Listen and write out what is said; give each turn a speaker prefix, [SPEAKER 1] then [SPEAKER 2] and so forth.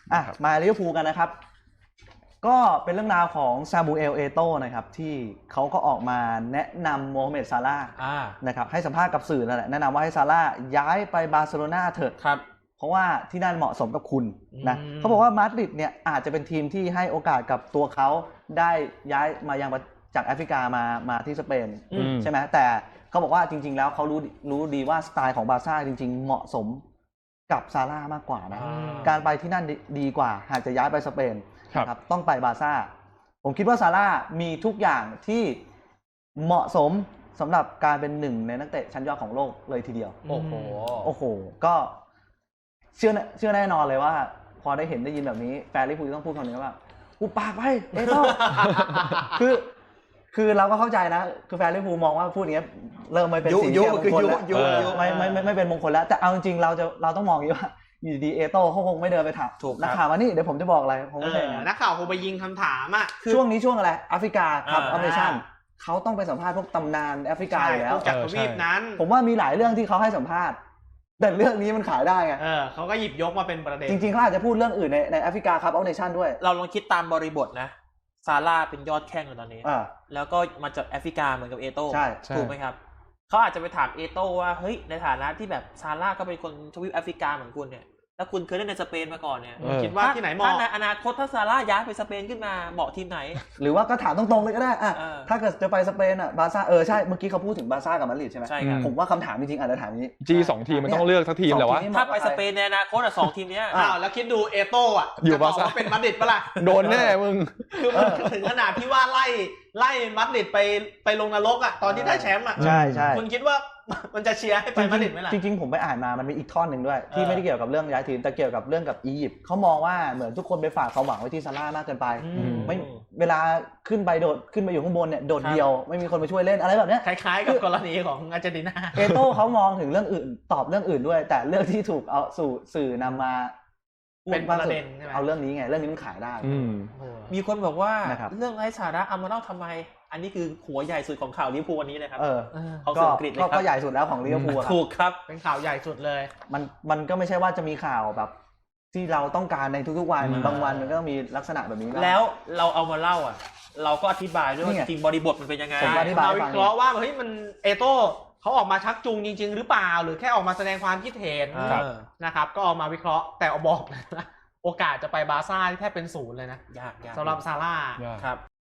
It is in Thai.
[SPEAKER 1] มาลิเวอร์พูลกันนะครับก็เป็นเรื่องราวของซามูเอลเอโต้นะครับที่เขาก็ออกมาแนะนำโมฮัมเหม็ดซาร่าห์นะครับให้สัมภาษณ์กับสื่อนั่นแหละแนะนำว่าให้ซาร่าห์ย้ายไปบาร์เซโลนาเถอะเพราะว่าที่นั่นเหมาะสมกับคุณนะเขาบอกว่ามาดริดเนี่ยอาจจะเป็นทีมที่ให้โอกาสกับตัวเขาได้ย้ายมายังจากแอฟริกามาที่สเปนใช่ไหมแต่เขาบอกว่าจริงๆแล้วเขารู้ดีว่าสไตล์ของบาร์ซ่าจริงๆเหมาะสมกับซาร่าห์มากกว่านะการไปที่นั่นดีกว่าหากจะย้ายไปสเปนครับต้องไปบาร์ซ่าผมคิดว่าซาร่ามีทุกอย่างที่เหมาะสมสำหรับการเป็นหนึ่งในนักเตะชั้นยอดของโลกเลยทีเดียวโอ้โหก็เชื่อแน่นอนเลยว่าพอได้ยินแบบนี้แฟนลิเวอร์พูลต้องพูดคำนี้ว่ากูปากไปเอโต้ คือเราก็เข้าใจนะคือแฟนลิเวอร์พูลมองว่าพูดอย่างนี้เริ่มไม่เป็นสิ่งที่มงคลแล้วไม่เป็นมงคลแล้วแต่เอาจริงๆเราต้องมองอย่างนี้ว่าอยู่ดีเอโต้เขาคงไม่เดินไปถามนักข่าวว่านี่เดี๋ยวผมจะบอกอะไรผมไม่ใช่
[SPEAKER 2] นักข่าวคงไปยิงคำถามอ่ะ
[SPEAKER 1] ช่วงนี้ช่วงอะไรแอฟริกาครับออฟเนชั่นเขาต้องไปสัมภาษณ์พวกตำนานแอฟริกาอยู่แล้ว
[SPEAKER 2] จากทวีปนั้น
[SPEAKER 1] ผมว่ามีหลายเรื่องที่เขาให้สัมภาษณ์แต่เรื่องนี้มันขายได้ไง
[SPEAKER 2] เขาก็หยิบยกมาเป็นประเด็น
[SPEAKER 1] จริงๆเขาอาจจะพูดเรื่องอื่นในแอฟริกาครับออฟเนชั่นด้วย
[SPEAKER 3] เราลองคิดตามบริบทนะซาร่าเป็นยอดแข้งอยู่ตอนนี้แล้วก็มาจากแอฟริกาเหมือนกับเอโต้ถูกไหมครับเขาอาจจะไปถามเอโต้ว่าเฮ้ยในฐานะที่แบบซาร่าก็เป็นคนทวีปแอฟริกาเหมือนคุณเนี่ยแล้วคุณเคยเล่นในสเปนมาก่อนเนี่ย
[SPEAKER 2] คิดว่าที่ไหนเหมาะ
[SPEAKER 3] ถ้าในอนาคตถ้าซาร่าย้ายไปสเปนขึ้นมาเหมาะทีมไหน
[SPEAKER 1] หรือว่าก็ถามตรงๆเลยก็ได้ถ้าเกิดจะไปสเปนบาร์ซ่าใช่เมื่อกี้เขาพูดถึงบาร์ซ่ากับมาดริดใช่ไหม
[SPEAKER 3] ใช่ครับ
[SPEAKER 1] ผมว่าคำถามจริงๆอาจจะถามนี้
[SPEAKER 4] 2 ทีมมันต้องเลือกสักทีมแหละวะ
[SPEAKER 3] ถ้าไปสเปนในอนาคต2 ทีมเนี้ย
[SPEAKER 2] แล้วคิดดูเอโต้
[SPEAKER 4] อยู่บาร์ซ่า
[SPEAKER 2] เป็นมาดริดปะล่ะ
[SPEAKER 4] โดนแน่มึง
[SPEAKER 2] คือมันถึงขนาดที่ว่าไล่มาดริดไปลงนรกตอนที่ได้แชมป์
[SPEAKER 1] ใช่
[SPEAKER 2] คุณคิดว่ามันจะเชียร์ให้ไปมาดริดไหมล่ะ
[SPEAKER 1] จริงๆผมไปอ่านมามันมีอีกท่อนหนึ่งด้วยที่ไม่ได้เกี่ยวกับเรื่องย้ายทีมแต่เกี่ยวกับเรื่องกับอียิปต์เขามองว่าเหมือนทุกคนไปฝากความหวังไว้ที่ซาร่ามากเกินไปไม่เวลาขึ้นไปอยู่ข้างบนเนี่ยโดดเดียวไม่มีคนมาช่วยเล่นอะไรแบบนี้
[SPEAKER 2] คล้ายๆกับกรณีของอาร์เจนตินา
[SPEAKER 1] เอโต้เขามองถึงเรื่องอื่นตอบเรื่องอื่นด้วยแต่เรื่องที่ถูกเอาสู่สื่อนำมา
[SPEAKER 2] เป็นประเด็นใช่ไหม
[SPEAKER 1] เอาเรื่องนี้ไงเรื่องนี้มันขายได้
[SPEAKER 3] มีคนบอกว่าเรื่องไร้สาระเอามาเล่าทำไมอันนี้คือหัวใหญ่สุดของข่าวลิเวอร์พูลวันนี้เลยครับ
[SPEAKER 1] เขาสื่ออังกฤษเลยครับก็ใหญ่สุดแล้วของลิเวอร์พูล
[SPEAKER 3] ถูกครับ
[SPEAKER 2] เป็นข่าวใหญ่สุดเลย
[SPEAKER 1] มันก็ไม่ใช่ว่าจะมีข่าวแบบที่เราต้องการในทุกๆวันบางวันมันก็มีลักษณะแบบนี้
[SPEAKER 3] แล้วเราเอามาเล่าเราก็อธิบายด้วยว่าจริงบริบทมันเป็นยังไง
[SPEAKER 2] เราวิเคราะห์ว่าเฮ้ยมันเอโต้เขาออกมาชักจูงจริงๆหรือเปล่าหรือแค่ออกมาแสดงความคิดเห็นนะครับก็ออกมาวิเคราะห์แต่เอาบอกนะโอกาสจะไปบาร์ซ่าที่แทบเป็น0เลยนะ
[SPEAKER 3] ยาก
[SPEAKER 2] สำหรับซาร่า
[SPEAKER 3] ครับ